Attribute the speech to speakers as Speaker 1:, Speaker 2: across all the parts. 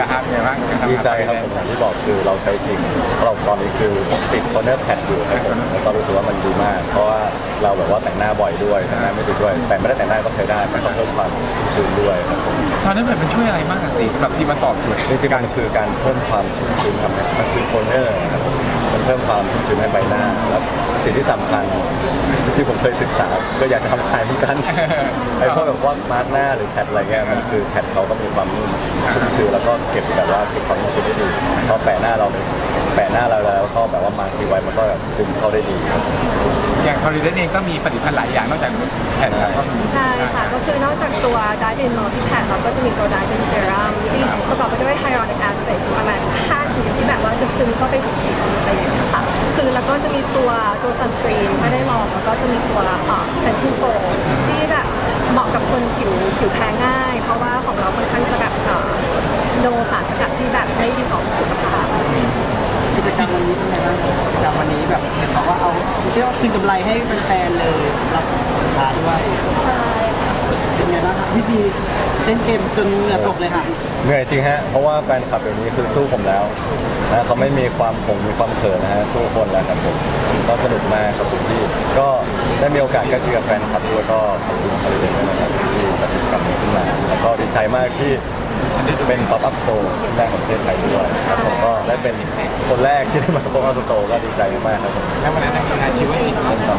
Speaker 1: ครับเนี่ยว่าการทำงาน
Speaker 2: ดีใจครับผมอย่างที่บอกคือเราใช้จริงเราตอนนี้คือติดคอนเนอร์แพดอยู่ครับผมแล้วก็รู้สึกว่ามันดีมาก เพราะว่าเราแบบว่าแต่งหน้าบ่อยด้วยแต่งหน้าไม่ติดด้วย แต่ไม่ได้แต่งหน้าก็ใช้ได้มันก็เพิ่มความชุ่มชื้นด้วยครับผม
Speaker 1: ตอนนั้นมันช่วยอะไรมากอะสิสำหรับที่มาตอบโจทย์
Speaker 2: จริงๆมันคือการเพิ่มความชุ่มชื้นครับมันคือโทนเนอร์ครับมันเพิ่มความชุ่มชื้นให้ใบหน้าแล้วสิ่งที่สำคัญจริงๆผมเคยศึกษาก็อยากจะทำขายเหมือนกันไอ้พวกแบบว่ามาร์กหน้าหรือแพดอะไรเงี้ยมันคือแพดเขาก็มีความนุ่มชุ่มชื้นแล้วก็เก็บแบบว่าเก็บความชุ่มชื้นได้ดีพอแปะหน้าเราแล้วก็แบบว่ามาร์กทิ้งไว้มันก็แบบซึมเข้าได้ดีครับ
Speaker 1: อย่างทอริเดนเองก็มีผลิตภัณฑ์หลายอย่างนอกจากแผ่นแล้วก็มี
Speaker 3: ใช่ค่ะก็คือนอกจากตัว Dive In Multi-Pad เราก็จะมีตัว Dive In Serum ที่ประกอบไปด้วย Hyaluronic Acid ประมาณ5ชนิดที่แบบว่าจะซึมเข้าไปถึงผิวอะไรอย่างเงี้ยค่ะคือแล้วก็จะมีตัว Sunscreen ถ้าได้ลองแล้วก็จะมีตัวCleansing Foam ที่แบบเหมาะกับคนผิวแพ้ง่าย เพราะว่าของเราค่อนข้างจะแบบโนสารสกัดที่แบบไม่ดีต่อสุขภาพ
Speaker 4: กิจกรรมวันนี้เป็นไงบ้างกิจกรรมวันนี้แบบเห็นบอกว่าเอาเรียกว่าคืนกำไรให้แฟนๆเลยสำหรับสินค้าด้วย
Speaker 3: ใช่ค่ะ
Speaker 4: เป็นไงบ้างครับพี่พีเล่นเกมจนเหงื่อตกเลยค่ะ
Speaker 2: เหนื่อยจริงฮะเพราะว่าแฟนคลับเดี๋ยวนี้คือสู้ผมแล้วนะเขาไม่มีความมีความเขินนะฮะสู้คนแล้วครับผมก็สนุกมากครับผมที่ก็ได้มีโอกาสใกล้ชิดกับแฟนคลับด้วยก็ขอบคุณคาริเดนด้วยนะครับที่จัดกิจกรรมนี้ขึ้นมาแล้วก็ดีใจมากที่เป็น pop up store แรกของประเทศไทยด้วยครับผมก็ได้เป็นคนแรกที่ได้มา pop up store ก็ดีใจมากครับผม
Speaker 1: แล้ววันนั้นมีงานชีวิตจิตของเรา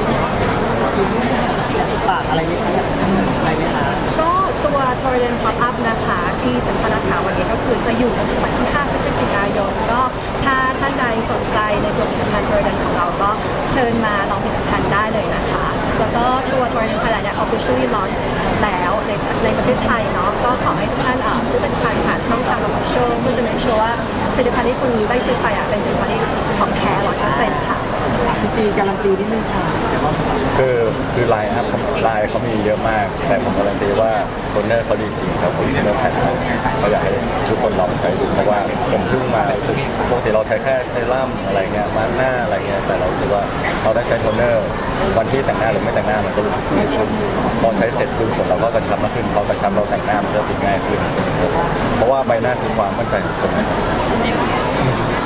Speaker 4: ฝากอะไรไหมคะอยากอะไรไหมคะ
Speaker 3: ก็ตัว Torrent Pop Up นะคะที่สำคัญนะคะวันนี้ก็คือจะอยู่จนถึงวันที่5 พฤศจิกายนก็ถ้าท่านใดสนใจในตัวผลิตภัณฑ์ Torrent ของเราก็เชิญมาลองผลิตภัณฑ์ได้เลยนะคะ แล้วก็ตัว Torrent Thailand เนี่ย officially launch แล้วในประเทศไทยเนาะก็ขอให้ท่านซื้อเป็นผ่านช่องทาง official เพื่อจะ make sure ว่าผลิตภัณฑ์ที่คุณได้ซื้อไปเป็นผลิตภัณฑ์ที่ของแท้ 100% ค่ะ
Speaker 4: พี่พีการันตีนิดนึงค่ะ
Speaker 2: คือไลน์อัพไลน์เขามีเยอะมาก แต่ผมการันตีว่าโทนเนอร์เขาดีจริงครับผมโทนเนอร์แพทเขาอยากให้ทุกคนลองใช้ดูเพราะว่าผมเพิ่งมารู้สึกปกติเราใช้แค่เซรั่มอะไรเงี้ยมาร์กหน้าอะไรเงี้ยแต่เราคิดว่าเราได้ใช้โทนเนอร์วันที่แต่งหน้าหรือไม่แต่งหน้ามันก็รู้สึกดีขึ้นพอใช้เสร็จปุ๊บเราก็กระชับมากขึ้นพอกระชับเราแต่งหน้ามันก็ติดง่ายขึ้นเพราะว่าใบหน้าคือความมั่นใจของคนนะครับ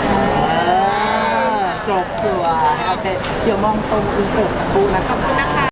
Speaker 4: จบสวยโอเคเดี๋ยวมองตรงอินเสิร์ตสักครู่นะคะ